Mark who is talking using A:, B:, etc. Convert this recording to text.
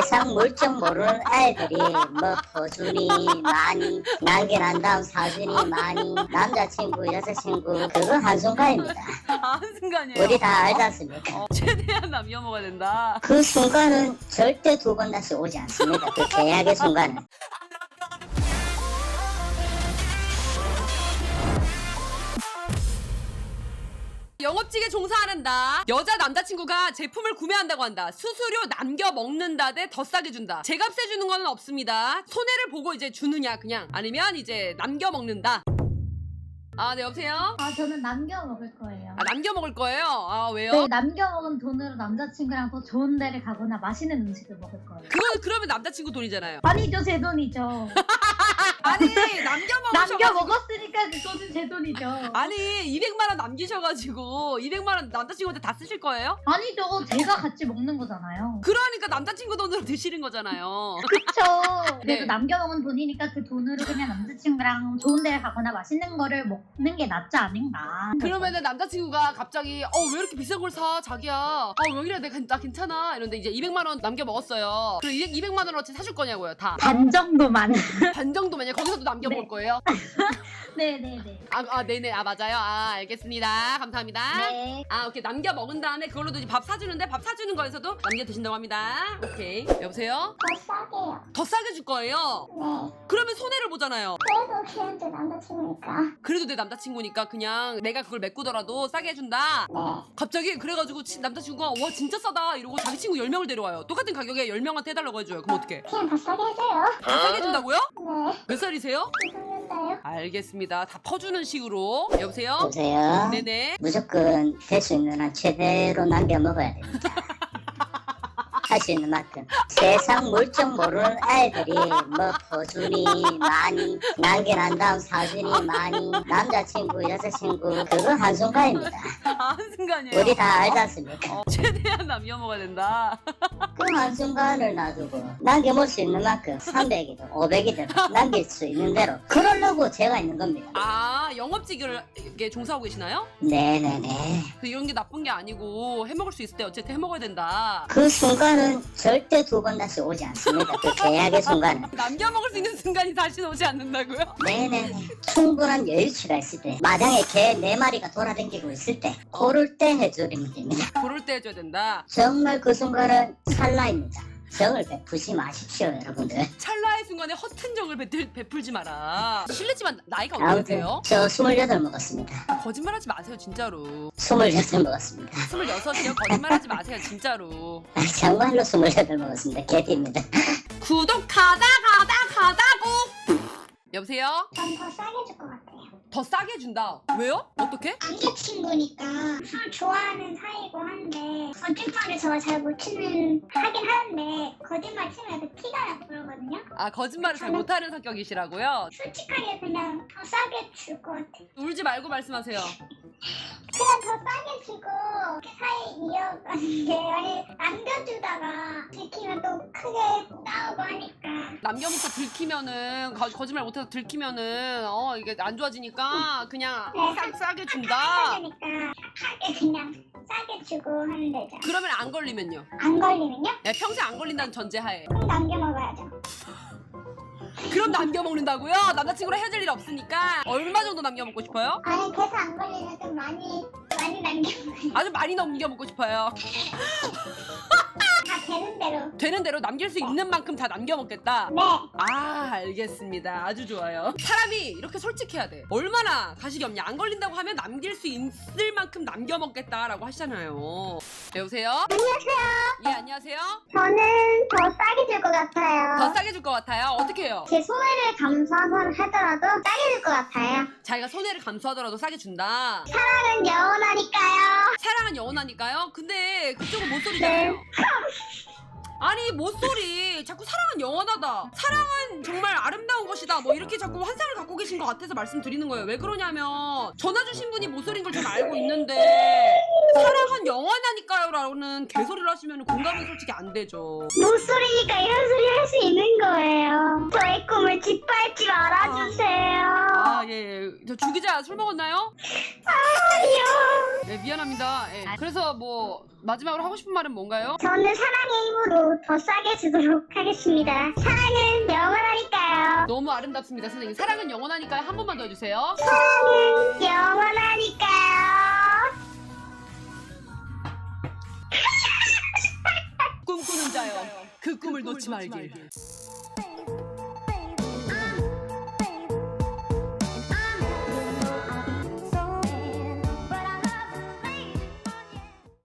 A: 세상 물정 모르는 애들이 뭐 포준이 많이 남겨난 다음 사준이 많이 남자친구 여자친구 그거 한순간입니다.
B: 한순간이에요.
A: 우리 다 알지 않습니까?
B: 최대한 남겨 먹어야 된다.
A: 그 순간은 절대 두 번 다시 오지 않습니다. 그 계약의 순간은.
B: 영업직에 종사하는다. 여자 남자친구가 제품을 구매한다고 한다. 수수료 남겨 먹는다 대 더 싸게 준다. 제값에 주는 건 없습니다. 손해를 보고 이제 주느냐 그냥 아니면 이제 남겨 먹는다. 아, 네, 여보세요?
C: 저는 남겨 먹을 거예요.
B: 아, 남겨 먹을 거예요? 아, 왜요?
C: 네, 남겨 먹은 돈으로 남자친구랑 더 좋은 데를 가거나 맛있는 음식을 먹을 거예요.
B: 그러면 남자친구 돈이잖아요.
C: 아니죠, 제 돈이죠.
B: 아니, 남겨 먹으셔가지고.
C: 남겨 먹었으니까 그 돈은 제 돈이죠.
B: 아니, 200만 원 남기셔가지고 200만 원 남자친구한테 다 쓰실 거예요?
C: 아니죠, 제가 같이 먹는 거잖아요.
B: 그러니까 남자친구 돈으로 드시는 거잖아요.
C: 그쵸.
B: 네.
C: 그래도 남겨 먹은 돈이니까 그 돈으로 그냥 남자친구랑 좋은 데를 가거나 맛있는 거를 먹는 게 낫지 않은가.
B: 그러면은 남자친구가 갑자기 왜 이렇게 비싼 걸 사 자기야 왜 이래 나 괜찮아 이런데 이제 200만 원 남겨 먹었어요. 그럼 200만 원어치 사줄 거냐고요 다.
C: 반 정도만.
B: 반 정도면요. 거기서도 남겨 먹을
C: 네.
B: 거예요?
C: 네네네.
B: 네네. 맞아요. 알겠습니다. 감사합니다.
C: 네.
B: 오케이. 남겨 먹은 다음에 그걸로도 이제 밥 사주는데 밥 사주는 거에서도 남겨 드신다고 합니다. 오케이. 여보세요?
D: 더 싸게요.
B: 더 싸게 줄 거예요?
D: 네.
B: 그러면 손해를 보잖아요.
D: 그래도 그냥 제 남자친구니까.
B: 그래도 내 남자친구니까 그냥 내가 그걸 메꾸더라도 싸게 해준다.
D: 네.
B: 갑자기 그래가지고 남자친구가 와 진짜 싸다 이러고 자기 친구 10명을 데려와요. 똑같은 가격에 10명한테 해달라고 해줘요. 그럼 어떡해?
D: 그냥 더 싸게 해줘요.
B: 다 싸게 해준다고요?
D: 네.
B: 몇 살이세요?
D: 죄송한데요.
B: 알겠습니다. 다 퍼주는 식으로. 여보세요?
A: 여보세요?
B: 네네.
A: 무조건 될 수 있는 한 최대로 남겨 먹어야 됩니다. 할 수 있는 만큼. 세상 물정 모르는 애들이 뭐 포준이 많이 남겨난 다음 사준이 많이 남자친구 여자친구 그거 한순간입니다.
B: 한순간이에요.
A: 우리 다 알지 않습니까?
B: 최대한 남겨 먹어야 된다.
A: 그 한순간을 놔두고 남겨볼 수 있는 만큼 300이든 500이든 남길 수 있는 대로 그러려고 제가 있는 겁니다.
B: 영업직을 이렇게 종사하고 계시나요?
A: 네네네.
B: 이런 게 나쁜 게 아니고 해먹을 수 있을 때 어쨌든 해먹어야 된다.
A: 그 순간은 절대 두 번 다시 오지 않습니다. 그 계약의 순간은.
B: 남겨 먹을 수 있는 순간이 다시 오지 않는다고요?
A: 네네. 충분한 여유치가 있을 때, 마당에 개 4마리가 돌아다니고 있을 때, 그럴 때 해주면 됩니다.
B: 그럴 때 해줘야 된다.
A: 정말 그 순간은 찰나입니다. 정을 베푸지 마십시오, 여러분들.
B: 찰나의 순간에 허튼 정을 베풀지 마라. 실례지만 나이가 어떻게
A: 아무튼
B: 되세요?
A: 저 28 먹었습니다.
B: 거짓말하지 마세요 진짜로.
A: 28 먹었습니다.
B: 26이요? 거짓말하지 마세요 진짜로.
A: 정말로 28 먹었습니다. 개띠입니다.
B: 구독 가다고. 여보세요?
D: 전 더 싸게 줄 것 같아요.
B: 더 싸게 준다. 왜요? 어떻게?
D: 남자친구니까 술 좋아하는 사이고 한데 거짓말을 저 잘 못 치는 하긴 하는데 거짓말 치면 그 티가 나고 그러거든요.
B: 거짓말을 잘 못하는 성격이시라고요?
D: 솔직하게 그냥 더 싸게 줄 것 같아요.
B: 울지 말고 말씀하세요.
D: 그냥 더 싸게 주고 그 사이 이어가는 게 아니 남겨주다가 들키면 또 크게 나오고 하니까
B: 남겨먹고 들키면은 거짓말 못해서 들키면은 이게 안 좋아지니까 그냥 싸게 준다.
D: 하니까 착하게 그냥 싸게 주고 하는 데죠.
B: 그러면 안 걸리면요?
D: 안 걸리면요?
B: 평생 안 걸린다는 전제하에.
D: 그럼 남겨 먹어야죠.
B: 그럼 남겨 먹는다고요? 남자친구랑 헤어질 일 없으니까 얼마 정도 남겨 먹고 싶어요?
D: 아니 계속 안 걸리면 좀 많이 남겨 먹어요.
B: 아주 많이 남겨 먹고 싶어요.
D: 다 되는 대로.
B: 되는 대로 남길 수 있는 만큼 다 남겨 먹겠다.
D: 네.
B: 알겠습니다. 아주 좋아요. 사람이 이렇게 솔직해야 돼. 얼마나 가식이 없냐. 안 걸린다고 하면 남길 수 있을 만큼 남겨 먹겠다라고 하시잖아요. 여보세요?
D: 안녕하세요.
B: 예, 안녕하세요.
D: 저는 더 싸게 줄 것 같아요.
B: 더 싸게 줄 것 같아요. 어떻게 해요?
D: 제 손해를 감수하더라도 싸게 줄 것 같아요.
B: 자기가 손해를 감수하더라도 싸게 준다.
D: 사랑은 영원하니까요.
B: 사랑은 영원하니까요? 근데 그쪽은 못소리잖아요. 아니 못소리 자꾸 사랑은 영원하다 사랑은 정말 아름다운 것이다 뭐 이렇게 자꾸 환상을 갖고 계신 것 같아서 말씀드리는 거예요. 왜 그러냐면 전화 주신 분이 못소리인 걸 전 알고 있는데 사랑은 영원하니까요라고는 개소리를 하시면 공감이 솔직히 안 되죠.
D: 못소리니까 이런 소리 할 수 있는 거예요. 저의 꿈을 짓밟지 말아주세요.
B: 아, 예. 저 주기자 술 먹었나요?
D: 아니요.
B: 네, 미안합니다. 예. 그래서 뭐 마지막으로 하고 싶은 말은 뭔가요?
D: 저는 사랑의 힘으로 더 싸게 주도록 하겠습니다. 사랑은 영원하니까요.
B: 너무 아름답습니다, 선생님. 사랑은 영원하니까요. 한 번만 더 해주세요.
D: 사랑은 영원하니까요.
B: 꿈꾸는 자여, 그 꿈을 놓지 말길.